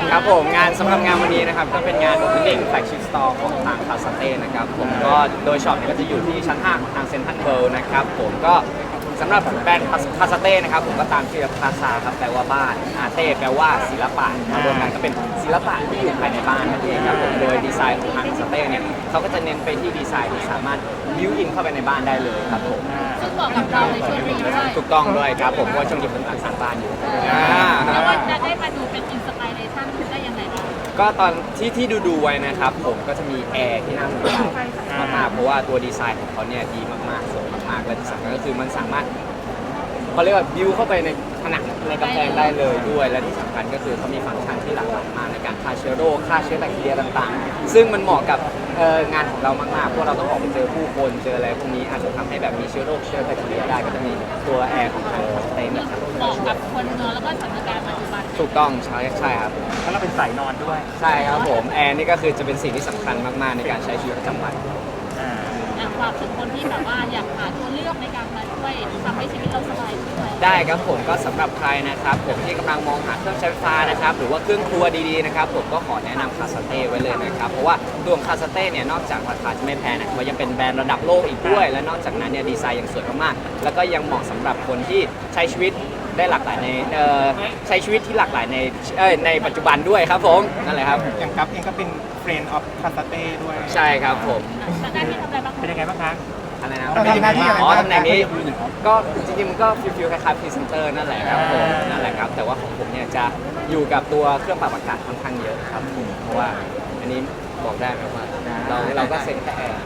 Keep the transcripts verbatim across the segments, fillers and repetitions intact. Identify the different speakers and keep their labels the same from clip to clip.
Speaker 1: ครับผมงานสำหรับงานวันนี้นะครับก็เป็นงาน Opening Flagship Store ของทางคาสเต้นะครับผมก็โดยช็อปเนี่ยก็จะอยู่ที่ชั้นห้าของทางเซ็นทรัลเวิลด์นะครับผมก็สำหรับแบรนด์คาสเต้นะครับผมก็ตามชื่อคาซาครับแปลว่าบ้านอาเต้แปลว่าศิลปะมารวมกันก็เป็นศิลปะที่อยู่ภายในบ้านนั่นเองครับผมโดยดีไซน์ของทางคาสเต้เนี่ยเขาก็จะเน้นไปที่ดีไซน์ที่สามารถบิวอินเข้าไปในบ้านได้เลยครับผม
Speaker 2: ซึ่งบอกกับเราในช่วงนี้ด้วย
Speaker 1: ถูกต้องด้วยครับผมเพราะว่าช่วงนี้ผมกำลังสร้างบ้านอยู่อ่า
Speaker 2: แล้วว่าจะได้มาดูเป็นอินสปิเรชันได้ยังไงบ้าง
Speaker 1: ก็ตอนที่ที่ดูดูไว้นะครับผมก็จะมีแอร์ที่น่าสนใจมากๆเพราะว่าตัวดีไซน์ของเขาเนี่ยดีมากๆสวยมากๆและที่สำคัญก็คือมันสามารถเขาเรียกว่าบิวเข้าไปในผนังในกำแพงได้เลยด้วยและที่สำคัญก็คือเขามีฟังก์ชันที่หลากหลายมากในการฆ่าเชื้อโรคฆ่าเชื้อแบคทีเรียต่างๆซึ่งมันเหมาะกับเอ่องานของเรามากๆเพราะเราต้องออกไปเจอผู้คนเจออะไรพวกนี้อาจจะทำให้แบบมีเชื้อโรคเชื้อแบคทีเรียได้ก็จะมีตัวแอร์ของทางเต็นท์นะครับ
Speaker 2: เหมาะกับคนนอนแล้วก็สถานการณ์ปัจจุบัน
Speaker 1: ถูกต้องใช่ใช่ครับ
Speaker 3: แล้วเราเป็นสายนอนด้วย
Speaker 1: ใช่ครับผมแอร์นี่ก็คือจะเป็นสิ่งที่สำคัญมากๆในการใช้ชีวิตประจำวัน
Speaker 3: อ่า
Speaker 2: อ่ะฝากถึงคนที่แบบว่าอยากหาตัวเลือกในการมาช่วยทำให้ชีวิตเราสบายขึ้นไหม
Speaker 1: ได้ครับผมก็สำหรับใครนะครับผมที่กำลังมองหาเครื่องใช้ไฟฟ้านะครับหรือว่าเครื่องครัวดีๆนะครับผมก็ขอแนะนำคาสเต้ไว้เลยนะครับเพราะว่าตัวของคาสเต้เนี่ยนอกจากราคาจะไม่แพงนะครับยังเป็นแบรนด์ระดับโลกอีกด้วย และนอกจากนั้นเนี่ยดีไซน์ยังสวยมากๆแล้วก็ยังเหมาะสำหรับคนที่ใช้ชีวิตได้หลากหลายในเอ่อใช้ชีวิตที่หลากหลายในเอ้ยในปัจจุบันด้วยครับผมนั่นแหละครับ
Speaker 4: อย่างกัฟเองก็เป็นเฟรนด์ออฟคาสเต้ด้วย
Speaker 1: ใช่ครับผม
Speaker 2: ทางด้านที่ทำอะไรบ้าง
Speaker 3: เป็นยังไงบ้างคะ
Speaker 1: อะไรนะ
Speaker 4: เราทำหน้าที่อะไร
Speaker 1: อ๋อ
Speaker 4: บ้าง
Speaker 1: ตำแหน่งนี้ก็จริงๆมันก็ฟิลๆคล้ายๆพรีเซนเตอร์นั่นแหละครับผม
Speaker 3: อ่านั่
Speaker 1: นั่นแหละครับแต่ว่าของผมเนี่ยจะอยู่กับตัวเครื่องปรับอากาศค่อนข้างเยอะครับผมเพราะว่าอันนี้บอกได้ไหมว่าเราเราก็เซ็นแค่แอร์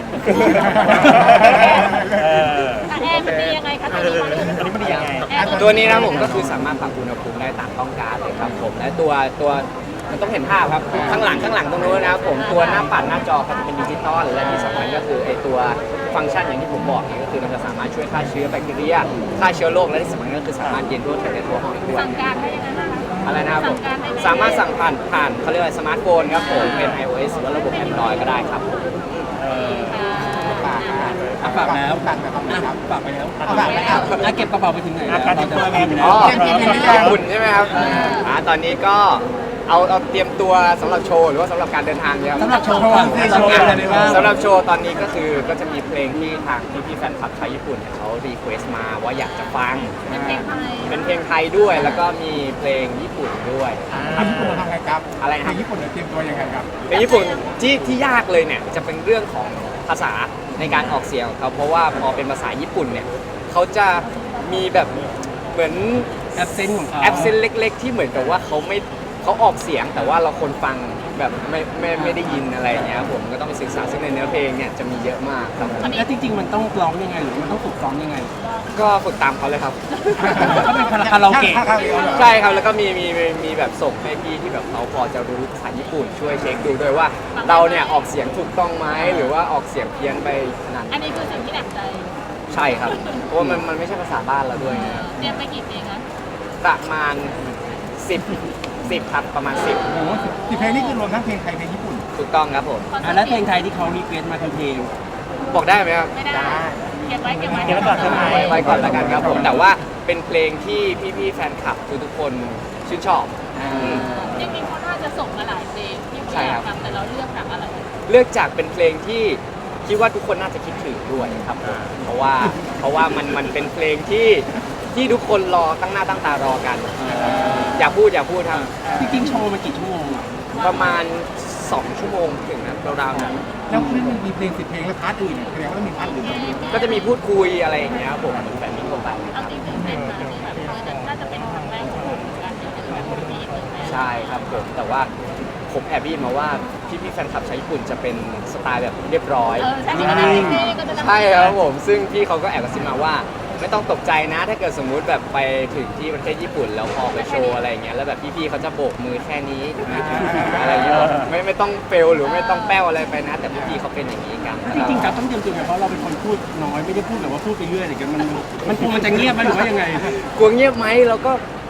Speaker 3: เออ
Speaker 2: แต่แอร์มันดียังไงคะตอนนี้
Speaker 3: อันนี้มันดียังไง
Speaker 2: แอร์
Speaker 1: ตัวนี้นะผมก็คือสามารถปรับอุณหภูมิได้ตามต้องการเลยครับผมและตัวตัวมันต้องเห็นภาพครับข้างหลังข้างหลังตรงนู้นนะครับผมตัวหน้าปัดหน้าจอเขาจะเป็นดิจิตอลและที่สำคัญก็คือไอตัวฟังก์ชันอย่างที่ผมบอกเนี่ยก็คือมันจะสามารถช่วยฆ่าเชื้อแบคทีเรียฆ่าเชื้อโรคและที่สำคัญก็คือสามารถเย็นด้วยภายในตัวห้องด้วย
Speaker 2: สั่งการได้ยังไงบ้างคะ
Speaker 1: อะไรนะครับผม
Speaker 2: สั่งการได้ไหม
Speaker 1: สามารถสั่งผ่านผ่านเขาเรียกว่าสมาร์ทโฟนครับผมเป็น iOS หรือว่าระบบ Android ก็ได้ครับผม
Speaker 4: ฝากนะ
Speaker 5: อ่ะฝากแล้ว
Speaker 4: ฝากแบบนี้ครับ
Speaker 5: ฝากไปแล้ว
Speaker 4: เอาฝากไปแล้ว
Speaker 5: อ่ะเก็บกระเป๋าไปถึงไหนแล้ว
Speaker 3: อ่ะการเตรียมตัวไง
Speaker 1: อ๋อ
Speaker 4: เตรียมตัวไง
Speaker 1: ญี่ปุ่นใช่ไหมครับอ่าตอนนี้ก็เอาเอาเตรียมตัวสำหรับโชว์หรือว่าสำหรับการเดินทางเนี่ยครับ
Speaker 5: สำหรับโชว์ก่อนสำหรับโชว์อะไรบ้าง
Speaker 1: สำหรับโชว์ตอนนี้ก็คือก็จะมีเพลงที่ทางพี่พี่ๆแฟนคลับชาวญี่ปุ่นเนี่ยเขารีเควสต์มาว่าอยากจะฟัง
Speaker 2: เป็นเพลงไทย
Speaker 1: เป็นเพลงไทยด้วยแล้วก็มีเพลงญี่ปุ่นด้วย
Speaker 4: ทำญี่ปุ่นเราทำไงครับ
Speaker 1: อะไรนะครับ
Speaker 4: ทำญี่ปุ่นเราเตรียมตัวยังไงครับ
Speaker 1: เพลงญี่ปุ่นที่ที่ยากเลยเนี่ยจะเป็นเรื่องของภาษาในการออกเสียงของเขาเพราะว่าพอเป็นภาษาญี่ปุ่นเนี่ยเขาจะมีแบบเหมือน
Speaker 5: แอปเซนต์ของเขา
Speaker 1: แอปเซนเล็ก ๆ ที่เหมือนกับว่าเขาไม่เขาออกเสียงแต่ว่าเราคนฟังแบบไม่ไม่ไม่ได้ยินอะไรอย่างเงี้ยครับผมก็ต้องไปศึกษาซึ่งในเนื้อเพลงเนี่ยจะมีเยอะมากครับผม
Speaker 5: แล้วจริงๆมันต้องร้องยังไงหรือมันต้องฝึกร้องยังไง
Speaker 1: ก็ฝึกตามเขาเลยครับ
Speaker 5: ก็เป็นคาราโอเกะ
Speaker 4: คาราโอเกะเหรอ
Speaker 1: ใช่ครับแล้วก็มีมีมีมีแบบส่งให้พี่ที่แบบเขาพอจะรู้ภาษาญี่ปุ่นช่วยเช็คดูด้วยว่าเราเนี่ยออกเสียงถูกต้องไหมหรือว่าออกเสียงเพี้ยนไปขนาดไหน
Speaker 2: อันนี้คือสิ่งที่หนักใจ
Speaker 1: ใช่ครับ เพราะว่ามันมันไม่ใช่ภาษาบ้านเราด้วยนะครับ
Speaker 2: เตรียมไปกี่เพลงคะ
Speaker 1: ประมาณสิบสิบครับประมาณสิบ
Speaker 4: โอ้โหสิบเพลงนี่คือรวมทั้งเพลงไทยเพลงญี่ปุ่น
Speaker 1: ถูกต้องครับผม
Speaker 5: อ่ะแล้วเพลงไทยที่เขารีเควสต์มาคือเพลง
Speaker 1: บอกได้ไหมครับ
Speaker 2: ไม่ได้เก็บไว้เก็บไว้
Speaker 3: เก็บไว้ก่อนใช่ไหม
Speaker 1: ไว้ก่อนแล้วกันครับผมแต่ว่าเป็นเพลงที่พี่ๆแฟนคลับทุกๆคนชื่นชอบ
Speaker 2: จริงๆเขาน่าจะส่งมาหลายเพลงที่เขา
Speaker 1: ใช่
Speaker 2: อยา
Speaker 1: ครั
Speaker 2: ก
Speaker 1: บ
Speaker 2: ทำแต่เราเลือกแบบอะไร
Speaker 1: เลือกจากเป็นเพลงที่คิดว่าทุกคนน่าจะคิดถึงด้วยครับผมเพราะว่าเพราะว่ามันมันเป็นเพลงที่ที่ทุกคนรอตั้งหน้าตั้งตารอกันอย่าพูดอย่าพูดครับ
Speaker 5: จริงๆโชว์มันกี่ชั่วโมงอ่ะ
Speaker 1: ประมาณสองชั่วโมงถึงนะราวๆนั้น
Speaker 4: แล้วคือมันมีเพลงสิบเพลงแล้วพาร์ทอื่นเนี่ยแสดงว่าต้องมีพาร์ทอื่นด้วย
Speaker 1: ก็จะมีพูดคุยอะไรอย่างเงี้ยครับผมเหมือนแบบนี้ทั่วไป
Speaker 2: เอาจริงๆเป็นมาที่แบบเออน่าจะเป็นครั้งแรกของผมเหมือนกันที่เจอแบบนี้อีกหนึ่งแม่
Speaker 1: ใช่ครับผมแต่ว่าผมแอบได้ยินมาว่าพี่พี่ๆแฟนคลับชาวญี่ปุ่นจะเป็นสไตล์แบบเรียบร้อย
Speaker 2: เออใช่ที่ก็ได้เพลงก็จะ
Speaker 1: ใช่ครับผมซึ่งพี่เขาก็แอบกระซิบมาว่า ไม่ต้องตกใจนะถ้าเกิดสมมุติแบบไปถึงที่ประเทศญี่ปุ่นแล้วพอไปโชว์อะไรอย่างเงี้ยแล้วแบบพี่ๆเขาจะโบกมือแค่นี้อะไรอย่างเงี้ยไม่ไม่ต้องเฟลหรือไม่ต้องแป้วอะไรไปนะ แต่พี่ๆเขาเป็นอย่างนี้กัน
Speaker 5: จริงๆกับต้องเตรียมตัวไงเพราะเราเป็นคนพูดน้อยไม่ได้พูดแบบว่าพูดไปเรื่อยอะไรกันมันมันกลัวมันจะเงียบไหมหรือว่ายังไง
Speaker 1: กลัวเงียบไหมเราก็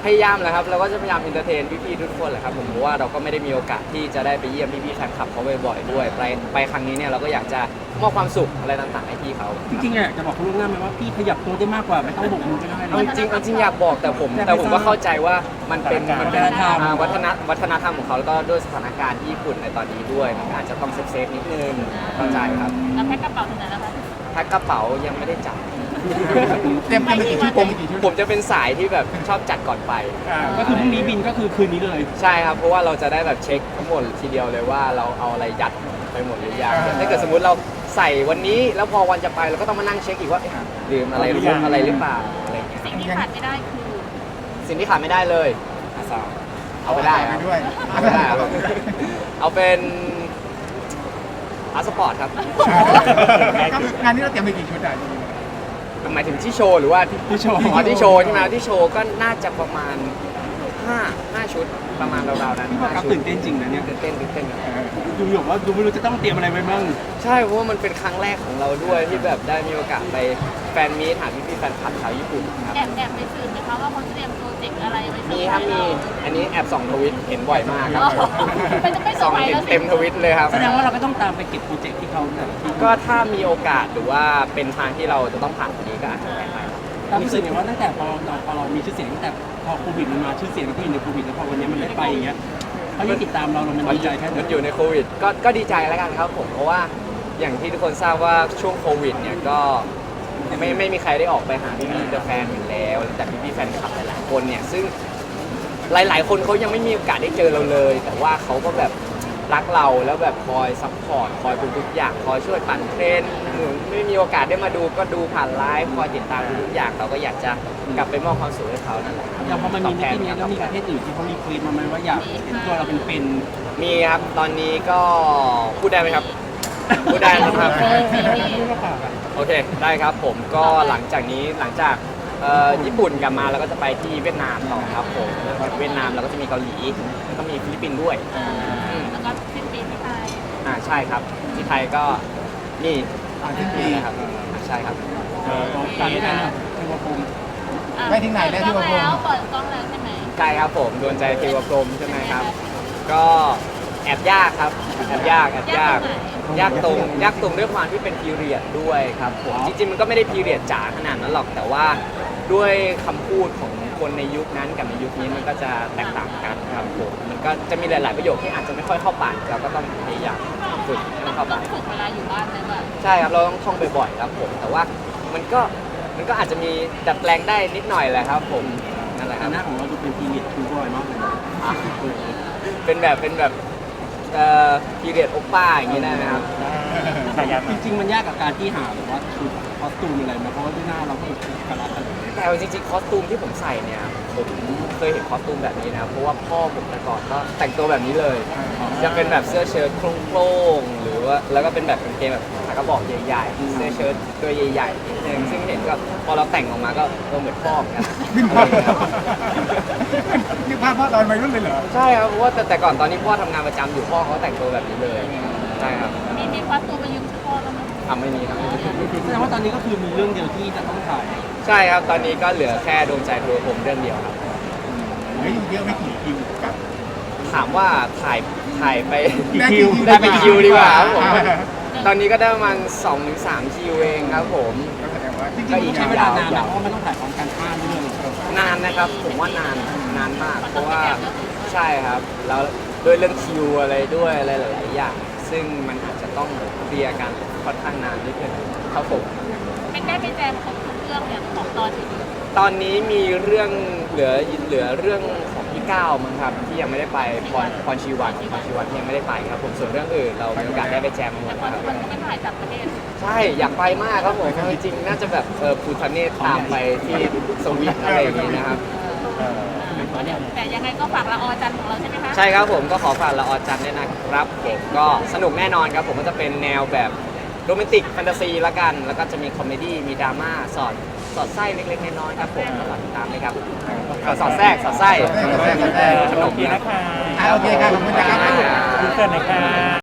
Speaker 1: พยายามแหละครับเราก็จะพยายามเอนเตอร์เทนพี่ๆทุกคนแหละครับผมเพราะว่าเราก็ไม่ได้มีโอกาสที่จะได้ไปเยี่ยมพี่ๆแฟนคลับเขาบ่อยๆด้วยไปไปครั้งนี้เนี่ยเราก็อยากจะมอบความสุขอะไรต่างๆให้พี่เขา
Speaker 5: จริงๆอ่ะจะบอกคุณล่วงหน้าไหมว่าพี่ขยับตัวได้มากกว่าไม่ต้องโบกมือก็ได้
Speaker 1: เอาจริงเอาจริงอยากบอกแต่ผมแต่ผมก็เข้าใจว่ามันเป็นมันเป็น
Speaker 5: วัฒนธรรม
Speaker 1: อ่าวัฒนวัฒนธรรมของเขาแล้วก็ด้วยสถานการณ์ที่ญี่ปุ่นในตอนนี้ด้วยมันก็อาจจะต้องเซฟๆนิดนึงเข้าใจครับ
Speaker 2: แล้วแพ็คกระเป๋าถึงไหนแล้วคะ
Speaker 1: แพ็คกระเป๋ายังไม่ได้จัด
Speaker 4: เตรียมกันไปกี่ชุด
Speaker 1: ผม
Speaker 4: กี่ชุด
Speaker 1: ผมจะเป็นสายที่แบบชอบจัดก่อนไป
Speaker 4: อ่า
Speaker 5: ก็คือพรุ่งนี้บินก็คือคืนนี้เลย
Speaker 1: ใช่ครับเพราะว่าเราจะได้แบบเช็คทั้งหมดทีเดียวเลยว่าเราเอาอะไรยัดไปหมดหรือยังถ้าเกิดสมมุติเราใส่วันนี้แล้วพอวันจะไปเราก็ต้องมานั่งเช็คอีกว่าเอ๊ะลืมอะไรลืมอะไรหรือเปล่าอะไรอย่างเงี้ย
Speaker 2: สิ่งที่ขาดไม่ได้คือ
Speaker 1: สิ่งที่ขาดไม่ได้เลยอาซาเอาไปได้ครับ
Speaker 4: ไปด้วย
Speaker 1: เอาไปได้ครับเอาเป็นพาสปอร์ตครับ
Speaker 4: งานนี้เราเตรียมไปกี่ชุดอ่ะ
Speaker 1: หมายถึงที่โชว์หรือว่าที่
Speaker 5: ที่โชว์
Speaker 1: อ๋อที่โชว์ใช่ไหมที่โชว์ก็น่าจะประมาณห้าห้าชุดประมาณราวๆนั้น
Speaker 5: พี่บอกกับ
Speaker 1: ห้าชุด
Speaker 5: ตื่นเต้นจริงนะเนี่ย
Speaker 1: ตื่นเต้นตื่นเต้นครับ
Speaker 5: ดูอยู่ว่าดูไม่รู้จะต้องเตรียมอะไรไว้บ้าง
Speaker 1: ใช่เพราะว่ามันเป็นครั้งแรกของเราด้วยที่แบบได้มีโอกาสไปแฟนมีตหาพี่ๆแฟนคลับชาวญี่ปุ่นครับ
Speaker 2: แอบแอบไปสืบไหมคะว่าเขาเตรียมโปรเจกต์อะไรไว้
Speaker 1: มีครับมีอันนี้แอบส่องทวิตเห็นบ่อยมากครับ
Speaker 2: มันจะไม่เซอ
Speaker 1: ส่อ
Speaker 2: ร์
Speaker 1: ง
Speaker 2: ไพรส์
Speaker 1: เห็น
Speaker 2: แล้วสิ
Speaker 1: เต็มทวิตเลยครับ
Speaker 5: แสดงว่าเราก็ต้องตามไปเก็บโปรเจกต์ที่เขาเนี่ย
Speaker 1: ก็ถ้ามีโอกาสหรือว่าเป็นทางที่เราจะต้องผ่านตรงนี้ก็อาจจะไปไปครับ
Speaker 5: ตามรู้สึกไงว่าตั้งแต่พอเราพอเรามีชื่อเสียงตั้งแต่พอโควิดมันมาชื่อเสียงเราก็อยู่ในโควิดแล้วพอวันนี้มันได้ไปอย่างเงี้ยเขายังติดตามเราเรามัน
Speaker 1: มัน
Speaker 5: ดีใจแค่ไหน
Speaker 1: มันอยู่ในโควิดก็ก็ดีใจแล้วกันครับผมเพราะว่าอย่างที่ทุกคนทราบว่าช่วงโควิดเนี่ยก็ไม่ไม่มีใครได้ออกไปหาพี่พี่แฟนอยู่แล้วแต่พี่พี่แฟนคลับหลายๆคนเนี่ยซึ่งหลาย ๆ คนเขายังไม่มีโอกาสได้เจอเราเลย แต่ว่าเขาก็แบบรักเราแล้วแบบคอยซัพพอร์ตคอยทุกๆอย่างคอยช่วยปั่นเทรนด์หรือไม่มีโอกาสได้มาดูก็ดูผ่านไลฟ์คอยติดตามทุกๆอย่างเราก็อยากจะกลับไปมอบความสุขให้เขานั่นแหละครับ
Speaker 5: อย่างพอมันมี
Speaker 1: ตบ
Speaker 5: นิ
Speaker 1: แท
Speaker 5: ตินี้แล้วมีประเทศอื่นที่เขารีเควสมาไหมว่าอยากเห็นตัวเราเป็นเป็น
Speaker 1: มีครับตอนนี้ก็พูดได้ไหมครับ พูดได้นะครับ โอเคได้ครับผมก็หลังจากนี้หลังจากเอ่อญี่ปุ่นกลับมาเราก็จะไปที่เวียดนามต่อครับผมหลังจากเวียดนามเราก็จะมีเกาหลีแล้วก็มีฟิลิปปินส์ด้วย
Speaker 2: แล้วก็สิ้นปีที่ไทย
Speaker 1: อ่าใช่ครับที่ไทยก็นี่
Speaker 4: อ่าสิ้นปี
Speaker 1: นะครับอ่าใช่ครับ
Speaker 5: ตามด้วยกันนะเทวพรหม
Speaker 4: ไปถึงไหนแล้วที่
Speaker 2: เปิ
Speaker 4: ว่า
Speaker 2: ดกล้องแล้วเปิดกล้องแล้วใช่ไหม
Speaker 1: ใช่ครับผมดวงใจเทวพรหมใช่ไหมครับ ก็แอบยากครับแอบยากแอบยากยากตรงยากตรงด้วยความที่เป็นพีเรียดด้วยครับผมจริงๆมันก็ไม่ได้พีเรียดจ๋าขนาดนั้นหรอกแต่ว่าด้วยคำพูดของคนในยุคนั้นกับในยุคนี้มันก็จะแตกต่างกันครับผมมันก็จะมีหลาย ๆ ประโยคที่อาจจะไม่ค่อยเข้าปากเราก็ต้องพยายามฝึกให้มันเข้า
Speaker 2: ต้อ
Speaker 1: ปาง ก
Speaker 2: ฝึกเวลาอยู่บ้านไหมแบบ
Speaker 1: ใช่ครับเราต้องท่องบ่อยๆครับผมแต่ว่ามันก็มันก็อาจจะมีดัดแปลงได้นิดหน่อยแหละครับผมนั่นแหละค
Speaker 5: แต่
Speaker 1: รับ
Speaker 5: หน้าของเราดูเป็นพีเรียดทูบอยมากเลย
Speaker 1: อ่ะเป็นแบบเป็นแบบเอ่อพีเรียดโอป้าอย่างนี้ได้ไหมครับ
Speaker 3: ฉายา
Speaker 5: จริงๆมันยากกับการที่หาแบบว่าชุดคอสตูมอะไรมาเพราะว่าด้วยหน้าเราก็กระลักกัน
Speaker 1: แต่เอาจริงๆคอสตูมที่ผมใส่เนี่ยผมเคยเห็นคอสตูมแบบนี้นะเพราะว่าพ่อผมแต่ก่อนก็แต่งตัวแบบนี้เลย จะเป็นแบบเสื้อเชิ้ตโครงๆหรือว่าแล้วก็เป็นแบบกางเกงแบบขากระบอกใหญ่ๆเสื้อเชิ้ตตัวใหญ่ๆนิดนึงซึ่งเห็นก็พอเราแต่งออกมาก็เออเหมือนพ่อเหมือนกัน
Speaker 4: ขึ้นภาพนี่ภาพพ่อตอนวัยรุ่นเลยเหรอ
Speaker 1: ใช่ครับเพราะว่าแต่แต่ก่อนตอนนี้พ่อทำงานประจำอยู่พ่อเขาแต่งตัวแบบนี้เลยใช่ครับ
Speaker 2: มีมีควักตัวไปยืมชุดพ่อแล้วมั้ย
Speaker 1: ทำไม่มีครับ
Speaker 5: แสดงว่าตอนนี้ก็คือมีเรื่องเดียวที่จะต้องถ่าย
Speaker 1: ใช่ครับตอนนี้ก็เหลือแค่ดวงใจทัวร์ผมเรื่องเดียวครับ
Speaker 4: เหลืออยู่เยอะไม่กี่คิวกับ
Speaker 1: ถามว่าถ่ายถ่ายไป
Speaker 4: ได้กี่
Speaker 1: ได้ไปคิวดีกว่าครับผม
Speaker 4: อ่า
Speaker 1: ตอนนี้ก็ได้ประมาณสองถึงสามคิวเองครับผม
Speaker 4: ก็แสดงว่าจริง
Speaker 5: ก็
Speaker 4: ๆ
Speaker 5: อี
Speaker 4: อี
Speaker 5: ก
Speaker 4: ก
Speaker 5: ใช้
Speaker 4: ใช้
Speaker 5: เว
Speaker 4: เว
Speaker 5: ลา
Speaker 4: ลาน
Speaker 5: านนะเพราะว่ามันต้องถ่ายพร้อมกันห้าเรื่อง
Speaker 1: นานนะครับ ผมว่านานนานมาก เพราะว่าใช่ครับแล้วด้วยเรื่องคิวอะไรด้วยอะไรหลาย ๆ อย่าง ซึ่งมันอาจจะต้องเคลียร์กันค่อนข้างนานนิดนึงครับผม
Speaker 2: เป็นได้ไปแจมของทุกเรื่องเนี่ยของตอนอื่น
Speaker 1: ตอนนี้มีเรื่องเหลือเหลือเรื่องของพี่ก้าวมั้งครับที่ยังไม่ได้ไปพรพรชีวันพรชีวันที่ยังไม่ได้ไปครับผมส่วนเรื่องอื่นเรามีโอกาสได้ไปแจมมาหม
Speaker 2: แต่
Speaker 1: ด
Speaker 2: พอ
Speaker 1: แล้ว
Speaker 2: ทุก
Speaker 1: ค
Speaker 2: ค
Speaker 1: รับ
Speaker 2: นก็ไปถ่ายต่างประเทศ
Speaker 1: ใช่อยากไปมากครับผมเอาจริงๆน่าจะแบบเออภูทะเนศตามไปที่สวิตอะไรอย่างนี้นะครับ
Speaker 2: แต่ยังไงก็ฝากละออจันทร์ของเราใช่ไหมคะ
Speaker 1: ใช่ครับผมก็ขอฝากละออจันทร์ด้วยนะครับผมก็สนุกแน่นอนครับผมก็จะเป็นแนวแบบโรแมนติกแฟนตาซีละกัน แล้วก็จะมีคอมเมดี้มีดราม่าสอดสอดไส้เล็กๆน้อยๆครับผมก็ฝากติดตามเลยครับเอ่อสอดแทรกสอดไส้
Speaker 4: สอดแทรกสอดแทรก
Speaker 1: ขนม
Speaker 3: ดี
Speaker 1: นะ
Speaker 3: นะคะ
Speaker 4: อ่าโอเคครับขอบคุณนะครับ
Speaker 3: คุณเกิดหน่อยค่ะ